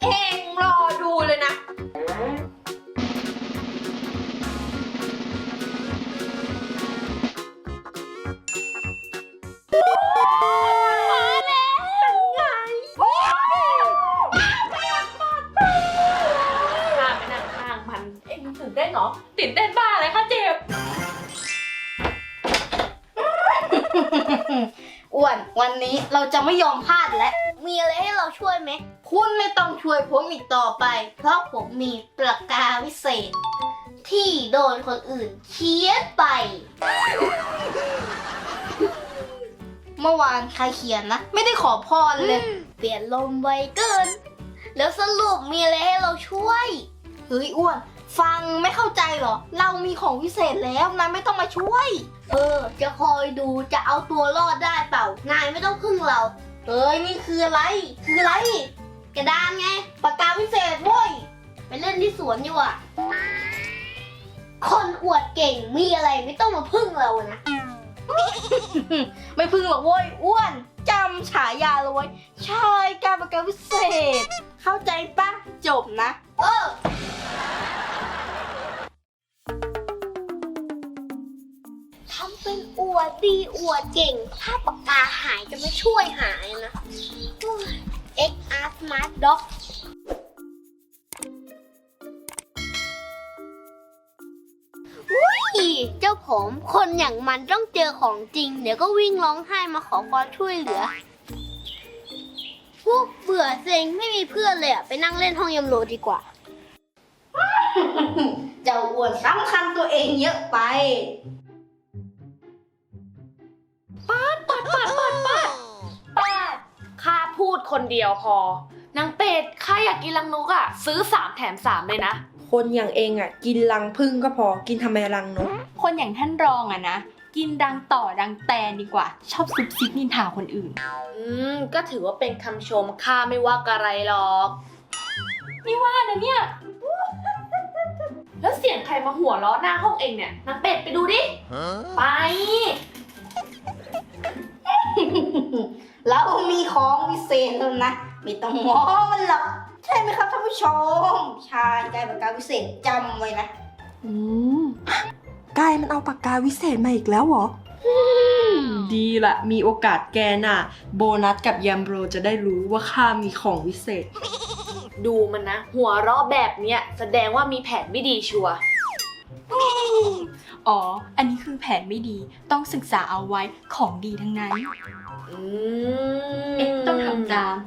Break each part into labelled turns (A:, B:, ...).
A: องรอดูเลยนะมาแล้วเป็นไงข้าไปนั่งข้างมันเอ็งตื่นเต้นเหรอตื่นเต้นบ้าอะไรคะเจ็บ
B: อ้วนวันนี้เราจะไม่ยอมพลาดและมีอะไรให้เราช่วยไหมคุณไม่ต้องช่วยผมอีกต่อไปเพราะผมมีปากกาวิเศษ ที่โดนคนอื่นเขียนไป เมื่อวานใครเขียนนะไม่ได้ขอพรเลยเปลี่ยนลมไวเกินแล้วสรุปมีอะไรให้เราช่วยเฮ้ยอ้วนฟังไม่เข้าใจเหรอเรามีของวิเศษแล้วนายไม่ต้องมาช่วยจะคอยดูจะเอาตัวรอดได้เปล่านายไม่ต้องพึ่งเราเฮ้ยนี่คืออะไรกระดานไงปากกาวิเศษเว้ยไปเล่นที่สวนอยู่อ่ะคนอวดเก่งมีอะไรไม่ต้องมาพึ่งเรานะ ไม่พึ่งหรอกเว้ยอ้วนจำฉายาเลยเว้ยชายการปากกาวิเศษเข้าใจปะจบนะทำเป็นอวดดีอวดเก่งถ้าปากกาหายจะไม่ช่วยหายนะ XR Smart Dock เจ้าผมคนอย่างมันต้องเจอของจริงเดี๋ยวก็วิ่งร้องไห้มาขอความช่วยเหลือพวกเบื่อเซ็งไม่มีเพื่อนเลยอะไปนั่งเล่นห้องยำโลดีกว่า เจ้าอ้วนสำคัญตัวเองเยอะไป
A: ป้าข้าพูดคนเดียวพอนางเป็ดข้าอยากกินรังนกอ่ะซื้อ3แถม3เลยนะ
C: คนอย่างเองอ่ะกินรังผึ้งก็พอกินทำไมรังนก
D: คนอย่างท่านรองอะนะกินดังต่อดังแตนดีกว่าชอบซุบซิบนินทาคนอื่น
A: ก็ถือว่าเป็นคำชมข้าไม่ว่าอะไรหรอกไม่ว่านะเนี่ยแล้วเสียงใครมาหัวล้อหน้าห้องเองเนี่ยนางเป็ดไปดูดิไป
B: แล้วมีของวิเศษแล้วนะไม่ต้องมองมันหรอกใช่ไหมครับท่านผู้ชมชายกายปากกาวิเศษจำไว้นะ
C: กายมันเอาปากกาวิเศษมาอีกแล้วเหรอดีละมีโอกาสแกน่ะโบนัสกับแยมโบรจะได้รู้ว่าข้ามีของวิเศษ
A: ดูมันนะหัวเราะแบบเนี้ยแสดงว่ามีแผนไม่ดีชัวร์
D: อ๋ออันนี้คือแผนไม่ดีต้องศึกษาเอาไว้ของดีทั้งนั้นต้องทำตาม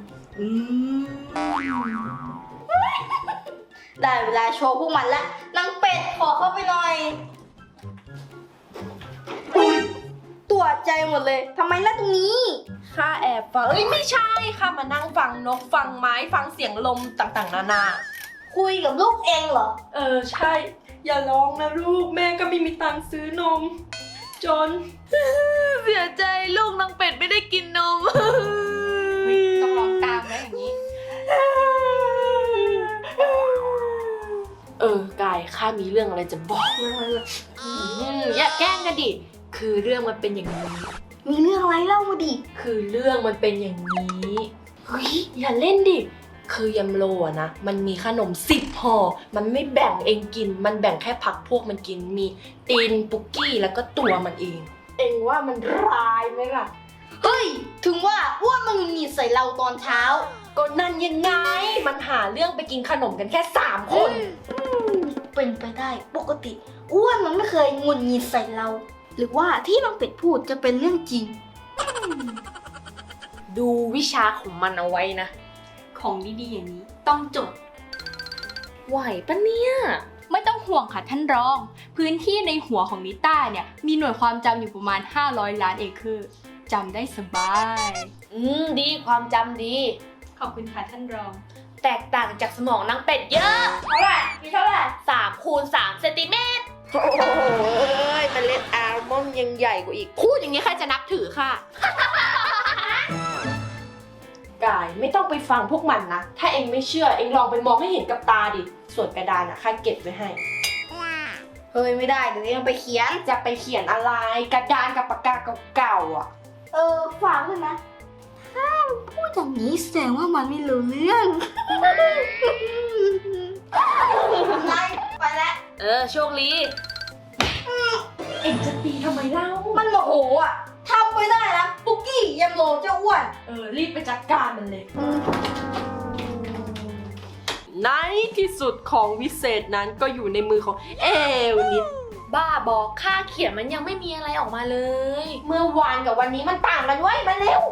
B: ได้เวลาโชว์พวกมันละนางเป็ดขอเข้าไปหน่อยตัวใจหมดเลยทำไมล่ะตรงนี้
C: ข้าแอบฟังไม่ใช่ข้ามานั่งฟังนกฟังไม้ฟังเสียงลมต่างๆนานา
B: คุยกับลูกเองเหรอ
C: ใช่อย่าร้องนะลูกแม่ก็ไม่มีตังค์ซื้อนมจน
A: เสียใจลูกนางเป็ดไม่ได้กินนม
D: ต้องร้องตามแล้วอย่างนี้
A: กายข้ามีเรื่องอะไรจะบอกอย่าแกล้งกันดิคือเรื่องมันเป็นอย่างนี้
B: มีเรื่องอะไรเล่ามาดิ
A: คือเรื่องมันเป็นอย่างนี้เฮ้ยอย่าเล่นดิคือยำโลอะนะมันมีขนม10 ห่อมันไม่แบ่งเองกินมันแบ่งแค่พักพวกมันกินมีตีนปุกกี้แล้วก็ตัวมันเองเองว่ามันร้ายไหมล่ะ
B: เฮ้ยถึงว่าอ้วนมันมีใส่เราตอนเช้า
A: ก็นั่นยังไงมันหาเรื่องไปกินขนมกันแค่3 คน
B: เป็นไปได้ปกติอ้วนมันไม่เคยงุนงิดใส่เราหรือว่าที่น้องเป็ดพูดจะเป็นเรื่องจริง
A: ดูวิชาของมันเอาไว้นะ
D: ของดีๆอย่างนี้ต้องจด
A: ไหวปะเนี่ย
D: ไม่ต้องห่วงค่ะท่านรองพื้นที่ในหัวของนิต้าเนี่ยมีหน่วยความจำอยู่ประมาณ500 ล้านเอเคอร์จำได้สบาย
A: ดีความจำดี
D: ขอบคุณค่ะท่านรอง
A: แตกต่างจากสมองนางเป็ดเยอะ
B: เท่าไหร่มีเท่าไหร่
A: 3 คูณ 3 เซนติเมตร
C: โอ้ยเมล็ดอัลมอนด์ยังใหญ่กว่าอีก
A: พูดอย่างนี้ใครจะนับถือค่ะ
C: กายไม่ต้องไปฟังพวกมันนะถ้าเองไม่เชื่อเองลองไปมองให้เห็นกับตาดิส่วนกระดานข้าเก็บไว้ให้
B: เฮ้ยไม่ได้เดี๋ยวยังไปเขียน
C: จะไปเขียนอะไรกระดานกับปากกาเก่าๆอ่ะ
B: ฟังเลยนะถ้าพูดอย่างนี้แสดงว่ามันไม่รู้เรื่อง
E: โชคดี
A: เอ็งจะตีทำไมเล่า
B: มันโมโหอ่ะทำไปได้นะปุกกี้ยำโลเจ้าอ้วน
A: รีบไปจัดการมันเลย ในที่สุดของวิเศษนั้นก็อยู่ในมือของเอลนิด
E: บ้าบอกค่าเขียนมันยังไม่มีอะไรออกมาเลย
A: เมื่อวานกับวันนี้มันต่างกันเว้ยมาเร็ว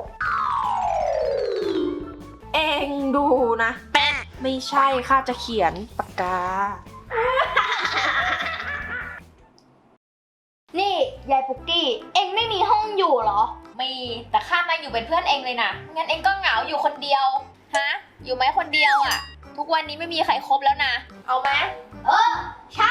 A: เอ็งดูนะไม่ใช่ข้าจะเขียนปากกา
B: นี่ยายปุกกี้ เอ็งไม่มีห้องอยู่เหรอ
E: มีแต่ข้ามาอยู่เป็นเพื่อนเองเลยนะงั้นเองก็เหงาอยู่คนเดียวฮะอยู่ไหมคนเดียวอ่ะ ทุกวันนี้ไม่มีใครคบแล้วนะ เอาไหม
B: ใช่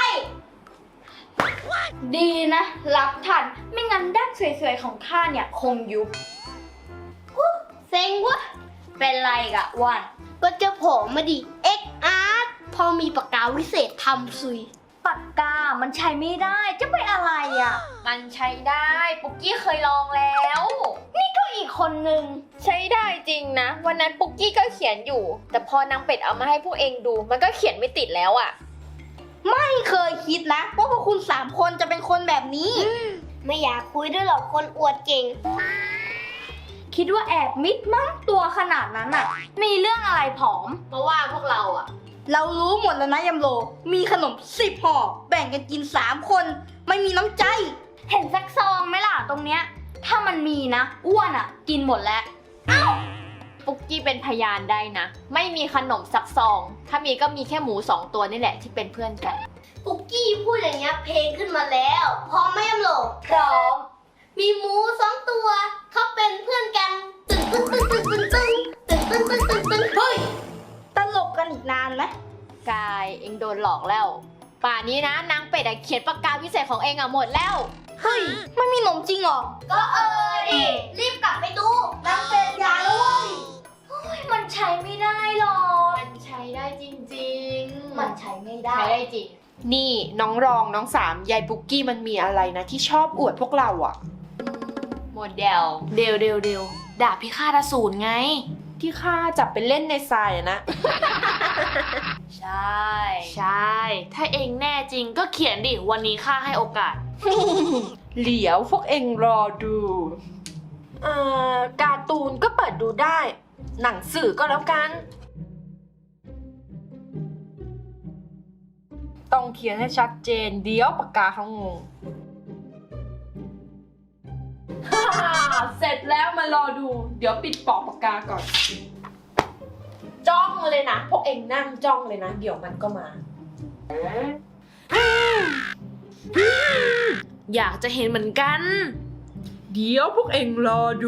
B: ดีนะรับทันไม่งั้นดั้งสวยๆของข้าเนี่ยคงยุบเซ็งวะเป็นไรกะวันก็จะโผล่มาดิเอ็กอาร์ตพอมีปากกาวิเศษทำซุยปากกามันใช้ไม่ได้จะไปอะไรอ่ะ
E: มันใช้ได้ปุกกี้เคยลองแล้ว
B: ก็อีกคนนึง
E: ใช้ได้จริงนะ วันนั้นปุกกี้ก็เขียนอยู่ แต่พอนางเป็ดเอามาให้พวกเองดู มันก็เขียนไม่ติดแล้วอ่ะ
B: ไม่เคยคิดนะว่าพวกคุณ3 คนจะเป็นคนแบบนี้ ไม่อยากคุยด้วยหรอกคนอวดเก่ง คิดว่าแอบมิดมั้งตัวขนาดนั้นอ่ะ มีเรื่องอะไรผอม
E: เพราะว่าพวกเราอ่ะ
B: เรารู้หมดแล้วนะยำโล มีขนม10 ห่อ แบ่งกันกิน3 คน ไม่มีน้ำใจ เห็นสักซองไหมล่ะตรงเนี้ย ถ้ามันมีนะ อ้วนอ่ะ กินหมดแล้ว
E: ปุกกี้เป็นพยานได้นะ ไม่มีขนมสักซอง ถ้ามีก็มีแค่หมู2 ตัวนี่แหละที่เป็นเพื่อนกัน
B: ปุกกี้พูดอย่างเงี้ยเพลงขึ้นมาแล้วพร้อมไหมยำโลพร้อม มีหมู2 ตัว เขาเป็นเพื่อนกัน ตึ้งตึ้งตึ้งตึ้งตึ้งตึ้งตึ้งตึ้งตึ้งตึ้งตึ้งเฮ้ย ตลกกันอีกนานไหม
E: กายเองโดนหลอกแล้ว ป่านนี้นะนางเป็ดเขียนปากกาวิเศษของเองหมดแล้ว
B: เฮ้ย ไม่มีหนมจริงเหรอ ก็ดิ รีบกลับไปดูนางเป็ดยาแล้วเว้ยมันใช้ไม่ได้หรอก
E: มันใช้ได้จริงๆ
B: มันใช้ไม่ได้
E: ใช้ได้จริง
A: นี่น้องรองน้องสามยายปุกกี้มันมีอะไรนะที่ชอบอวดพวกเราอ่ะ
E: โมเดลเดวดาบพิฆาตอสูรไง
A: ที่ข้าจับไปเล่นในทรายอะนะ
E: ใช่ ถ้าเองแน่จริงก็เขียนดิ วันนี้ข้าให้โอกาส
A: เหลียวพวกเองรอดูการ์ตูนก็เปิดดูได้ หนังสือก็แล้วกัน ต้องเขียนให้ชัดเจน เดี๋ยวปากกาเขางง เสร็จแล้วมารอดู เดี๋ยวปิดปอกปากกาก่อน จ้องเลยนะ พวกเองนั่งจ้องเลยนะ เดี๋ยวมันก็มา
E: อยากจะเห็นเหมือนกัน
A: เดี๋ยวพวกเองรอดู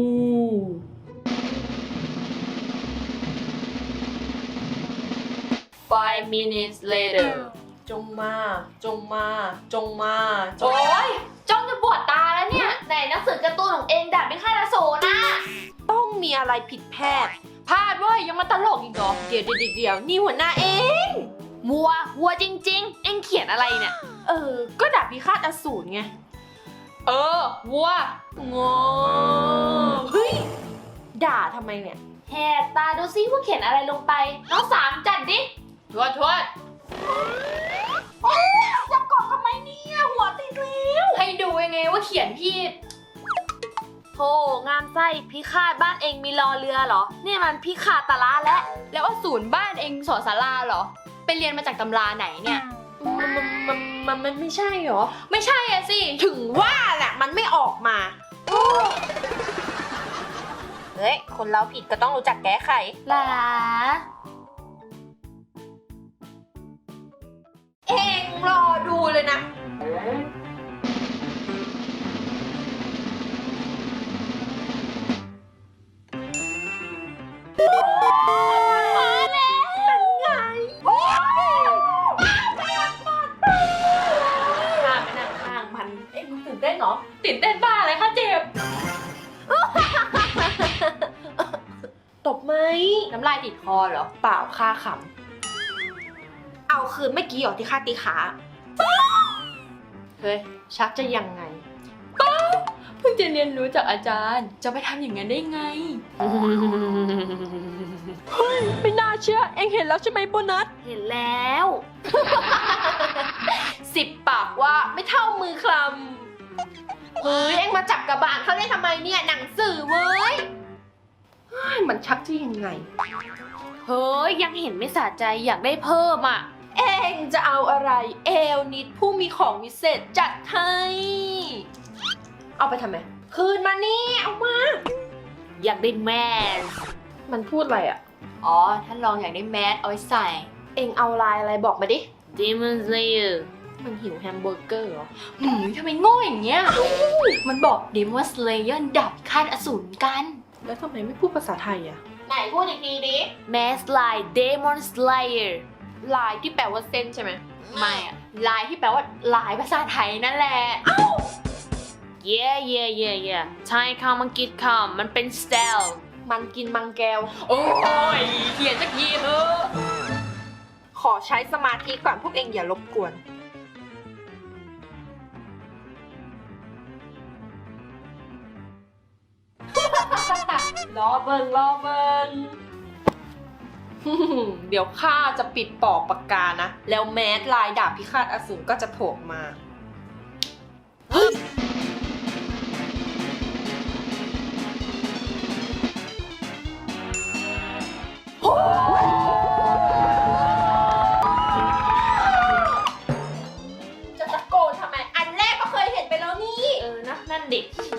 E: 5 minutes later
A: จงมา จงมา จงมาจง
E: โอ๊ย จ้องจะปวดตาแล้วเนี่ยไหนหนังสือการ์ตูนของเองดาบพิฆาตอสูรนะ
A: ต้องมีอะไรผิดแพทย์พลาดเว้ยยังมาตลกอีกเหรอ เดี๋ยวนี่หัวหน้าเอง
E: วัวจริงๆ เองเขียนอะไรเนี่ย
A: ก็ดาบพิฆาตอสูรไง
E: วัว
A: งอเฮ้ย ด่าทำไมเนี่ย
E: แหกตาดูซิว่าเขียนอะไรลงไป น้องสามจัดดิทวด
A: จะกดทำไมเนี่ยหัวติดแล้ว
E: ให้ดูยังไงว่าเขียนผิดโธ่งามไส้พิฆาตบ้านเองมีรอเรือเหรอ เนี่ยมันพิฆาตละแล้วอสูรบ้านเองสอนศาลาเหรอ ไปเรียนมาจากตำราไหนเนี่ย
A: มันไม่ใช่เหรอ
E: ไม่ใช่อะสิ
A: ถึงว่าแหละมันไม่ออกมา เฮ้ย คนเราผิดก็ต้องรู้จักแก้ไข
E: หลา
A: เองรอดูเลยนะ มาแล้วเป็นไง
E: ข้าไปนั่งข้างมัน
A: เอ็งตื่นเต้นเหรอ
E: ตื่นเต้นบ้าอะไรคะเจ็บ
A: ตบไหม
E: น้ำลายติดคอเหรอ
A: เปล่าค่าขำ เอาคืนเมื่อกี้เหรอที่ค่าตีขา เฮ้ย ชักจะยังไง
D: เพิ่งจะเรียนรู้จากอาจารย์ จะไปทำอย่างนั้นได้ไง
C: เฮ้ย ไม่น่าเชื่อ เอ็งเห็นแล้วใช่ไหมโบนัส
E: เห็นแล้ว
A: 10 ปากว่าไม่เท่ามือคลำเฮ้ย เอ็งมาจับกระบาลเขาได้ทำไมเนี่ย หนังสือเว้ยเฮ้ยมันชักที่ยังไง
E: เฮ้ย ยังเห็นไม่สะใจอยากได้เพิ่มอ่ะ
A: เอ็งจะเอาอะไร เอลนิดผู้มีของวิเศษจัดให้ เอาไปทำไม คืนมานี่ เอามา
E: อยากได้แมส
A: มันพูดอะไรอ่ะ
D: อ๋อ ท่านรองอยากได้แมสเอาไว้ใส่
A: เอ็งเอาลายอะไรบอกมาดิ
E: Demon Slayer
A: มันหิวแฮมเบอร์เกอร์เหรอ
D: ทำไมโง่อย่างเงี้ย มันบอก Demon Slayer ดับคาดอสูรกัน
A: แล้วทำไมไม่พูดภาษาไทยอ่ะ ไหนพูดอีกทีดิ
E: Mask Line Demon Slayer
A: ลายที่แปลว่าเส้นใช่ไหม
D: ไม่อะลายที่แปลว่าลายภาษาไทยนั่นแหละ
E: Yeah ไทยคำอังกฤษคำมันเป็น style
A: มันกินมังแก้ว
D: โอ้ยเขียนสักทีเถอะ
A: ขอใช้สมาธิก่อนพวกเองอย่ารบกวน รอเบิง เดี๋ยวข้าจะปิดปอกปากกานะ แล้วแมสลายดาบพิฆาตอสูรก็จะโผล่มา จะตะโกนทำไม อันแรกก็เคยเห็นไปแล้วนี่
E: นะนั่นดิ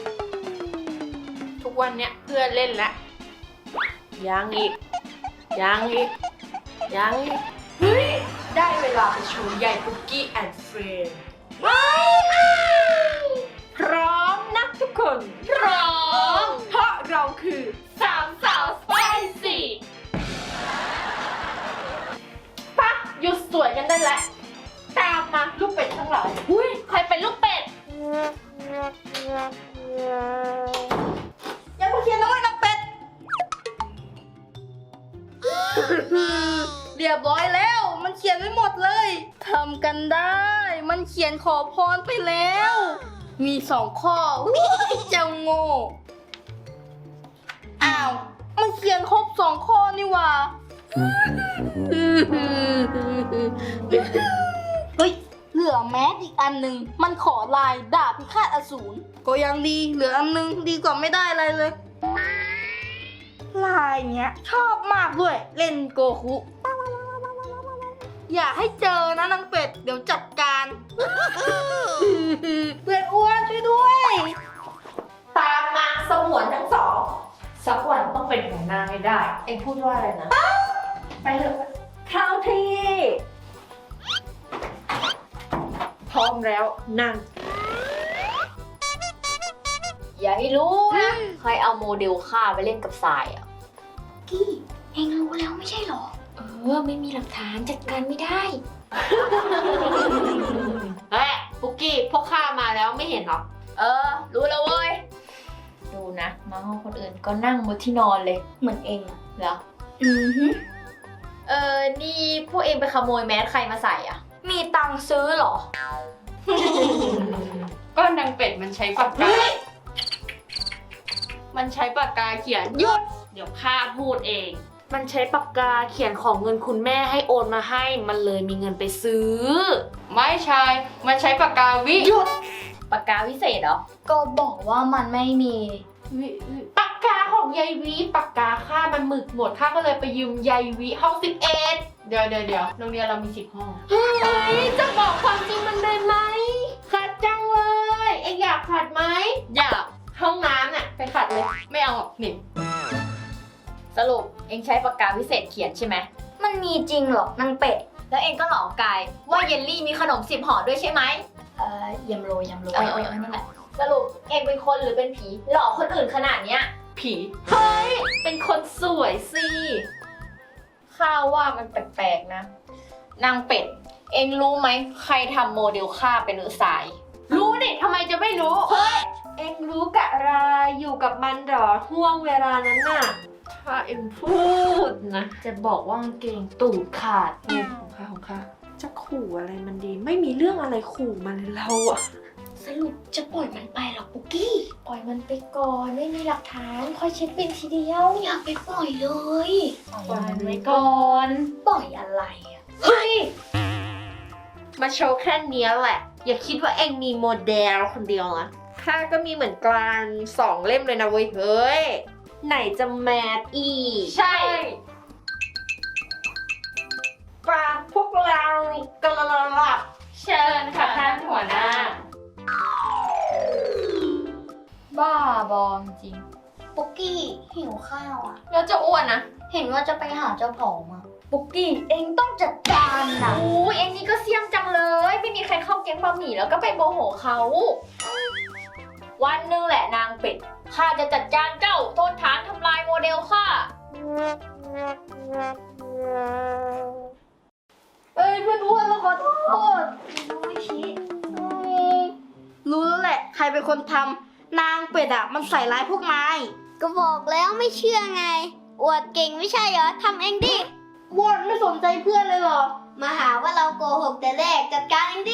A: ทุกวันเนี้ยเพื่อนเล่นแล้วยังอีก เฮ้ย ได้เวลาไปโชว์ใหญ่ปุกกี้แอนด์เฟรนด์พร้อมนะทุกคน
E: พร้อม
A: เพราะเราคือ
E: สามสาวสไปซี่
A: ปะหยุดสวยกันได้แล้ว ตามมาลูกเป็ดทั้งหลาย
E: หุ้ย ใครเป็นลูกเป็ด
B: ยังมาเขียนน้อยนักเป็ด เรียบร้อยแล้ว มันเขียนไว้หมดเลยทำกันได้ มันเขียนขอพรไปแล้ว มี2 ข้ออุ๊ยเจ้าโง่อ้าว มันเขียนครบ2 ข้อนี่หว่าเฮ้ย เหลือแมสอีกอันหนึ่งมันขอลายดาบพิฆาตอสูรก็ยังดี เหลืออันหนึงดีกว่าไม่ได้อะไรเลย ลายเนี้ยชอบมากด้วย เล่นโกคุ อย่าให้เจอนะนางเป็ด เดี๋ยวจัดการ เพื่อนอ้วนช่วยด้วย
A: ตามมาสมวนทั้งสอง
E: สักวันต้องเป็นของนางให้ได้
A: เอ็งพูดว่าอะไรนะ ไปเถอะเข้าที่ พร้อมแล้วนั่ง
E: อย่าให้รู้นะใครเอาโมเดลข้าไปเล่นกับทรายอ่ะ
B: กี้เองรู้แล้วไม่ใช่หรอ
E: ไม่มีหลักฐานจัดการไม่ได้ เฮ้ยปุกกี้พวกข้ามาแล้วไม่เห็นหรอ รู้แล้วเว้ย ดูนะมาห้องคนอื่นก็นั่งบนที่นอนเลย
B: เหมือนเองอะ
E: เหรอ
B: อือฮึ
E: นี่พวกเองไปขโมยแมสใครมาใส่อ่ะ
B: มีตังค์ซื้อเหรอ
D: ก็นางเป็ดมันใช้ปากกา มันใช้ปากกาเขียน
E: หยุด เดี๋ยวข้าพูดเอง มันใช้ปากกาเขียนของเงินคุณแม่ให้โอนมาให้ มันเลยมีเงินไปซื้อ
D: ไม่ใช่ มันใช้ปากกาวิ
E: หยุด ปากกาวิเศษเหรอ
B: ก็บอกว่ามันไม่มี
A: ปากกาของยายวิปากกาข้ามันหมึกหมดข้าก็เลยไปยืมยายวิห้อง11
D: เดี๋ยวโรงเรียนเรามี10 ห้อง
A: เฮ้ยจะบอกความจริงมันได้ไหมขัดจังเลย เอ็งอยากขัดไหม
D: อยาก
A: ห้องน้ำน่ะไปขัดเลย
D: ไม่เอาหรอกหนิ
E: สรุปเองใช้ปากกาวิเศษเขียนใช่ไหม
B: มันมีจริงเหรอนางเป็ด
E: แล้วเองก็หลอกกายว่าเยลลี่มีขนม10 ห่อด้วยใช่ไหม
B: ยำโรย
E: นั่นแหละ สรุปเองเป็นคนหรือเป็นผี หลอกคนอื่นขนาดเนี้ย
A: ผี เฮ้ย เป็นคนสวยสิ
E: ข้าว่ามันแปลกๆนะ นางเป็ด เองรู้ไหมใครทำโมเดลข้าเป็นหรือสาย
A: รู้ดิทำไมจะไม่รู้ เฮ้ย เอ็งรู้กะไรอยู่กับมันเหรอห่วงเวลานั้นน่ะ ถ้าเอ็งพูดนะ จะบอกว่ากางเกงตูดขาดของข้าจะขู่อะไรมันดี ไม่มีเรื่องอะไรขู่มันเลยเราอะ
B: สรุปจะปล่อยมันไปเหรอปุกกี้
A: ปล่อยมันไปก่อนไม่มีหลักฐานค่อยเช็คบินทีเดียว
B: อย่าไปปล่อยเลย
A: ปล่อยมันไว้ก่อน
B: ปล่อยอะไรอ่ะ
A: เฮ้ยมาโชว์แค่เนี้ยแหละ อย่าคิดว่าเองมีโมเดลคนเดียวนะข้าก็มีเหมือนกัน2 เล่มเลยนะเว้ยเฮ้ยไหนจะแมทอีก
E: ใช่
A: ปลาพวกเรากระลับ
E: เชิญค่ะท่านหัวหน้า บ้าบอมจริง
B: ปุกกี้หิวข้าวอ่ะ
E: แล้วจะอ้วนนะ
B: เห็นว่าจะไปหาเจ้าของอ่ะปุกกี้เองต้องจัดการนะ
E: อู้เอ็งนี่ก็เสี่ยมจังเลย ไม่มีใครเข้าแก๊งบะหมี่แล้วก็ไปโมโหเขา วันหนึงแหละนางเป็ด ข้าจะจัดการเจ้าโทษฐานทำลายโมเดลข้า
B: เอ้ยเพื่อนอ้วนเราขอโทษไม่ชี้รู้แล้วแหละ ใครเป็นคนทำนางเป็ดอ่ะมันใส่ร้ายพวกนายก็บอกแล้วไม่เชื่อไง อวดเก่งไม่ใช่เหรอทำเองดิวอนไม่สนใจเพื่อนเลยเหรอ มาหาว่าเราโกหกแต่แรกจัดการเองดิ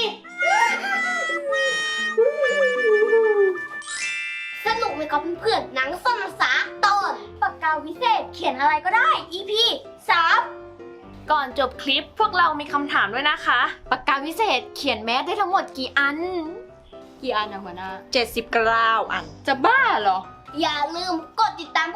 B: สนุกไหมครับเพื่อนๆหนังซ่อนภาษาตอนปากกาวิเศษเขียนอะไรก็ได้ EP 3
E: ก่อนจบคลิปพวกเรามีคำถามด้วยนะคะ ปากกาวิเศษเขียนแมสได้ทั้งหมดกี่อัน
D: กี่อันนะหัวหน้า
A: 79 อัน
D: จะบ้าเหรอ
B: อย่าลืมกดติดตาม